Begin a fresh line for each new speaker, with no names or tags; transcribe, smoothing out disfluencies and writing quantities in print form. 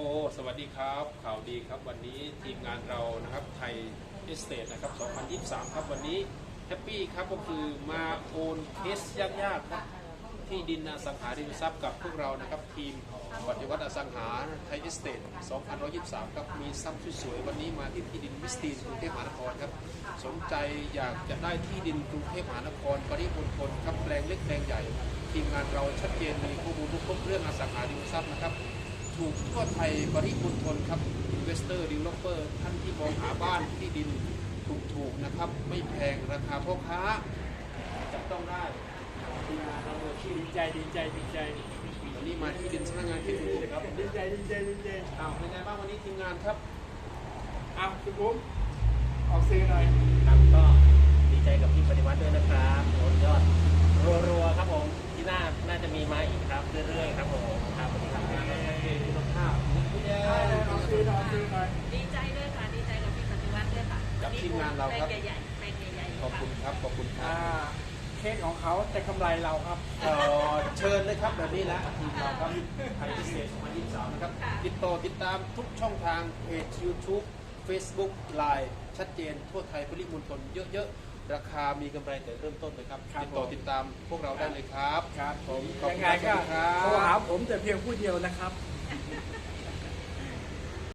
สวัสดีครับข่าวดีครับวันนี้ทีมงานเรานะครับไทยเอสเตทนะครับ2023ครับวันนี้แฮปปี้ครับก็คือมาโอนเคสยากๆครับที่ดินอสังหาริมทรัพย์กับพวกเรานะครับทีมปฏิวัติอสังหาไทยเอสเตท2023ครับมีทรัพย์สวยๆวันนี้มาที่ที่ดินมิสตีนกรุงเทพมหานครครับสนใจอยากจะได้ที่ดินกรุงเทพมหานครปริมณฑลครับแปลงเล็กแปลงใหญ่ทีมงานเราชัดเจนมีข้อมูลทุกครบเรื่องอสังหาริมทรัพย์นะครับถูกทั่วไทยปริมณฑลครับ Investor Developer ท่านที่มองหาบ้านที่ดินถูกๆนะครับไม่แพงราคาพ่อค้าจับต้องได้ทีมงานเราโดยที่
ดีใจ
วันนี้มาที่ดินสร้างงานที่ถูกครับ
ดีใจ
อ้าวเป็นไงบ้างวันนี้ทีมงานครับ
คุณบุ้มออกซื้อหน่อย
ครับก็ดีใจกับพี่ปฏิวัติด้วยนะครับโอนยอดรัวๆครับผมที่น่าจะมีมาอีกครับเรื่อยๆครับผมครับสวัสดีครับ
รถข้าวคุณแย่
ออกซื้อหน่อย
ดีใจด้วยค่ะดีใจกับพี่ปฏิวัติด้วยค่ะ
กับทีมงานเราครับ
แปลงใหญ่ๆแปลงใหญ่ๆ
ขอบคุณครับขอบคุณครับ
เคสของเขาแต่กำไรเราครับ
เชิญเลยครับแบบนี้แหละทีมเราครับไทยพิเศษ2023นะครับติดตามทุกช่องทางเพจ YouTube Facebook Line ชัดเจนทั่วไทยปริมณฑลเยอะๆราคามีกำไรแต่เริ่มต้นเลยครับติดตามพวกเราได้เลยครับ
ครับผม
ขอบ
ยั
คุณ
งไงก็
ครับ
โทรหาผมแต่เพียงผู้เดียวนะครับ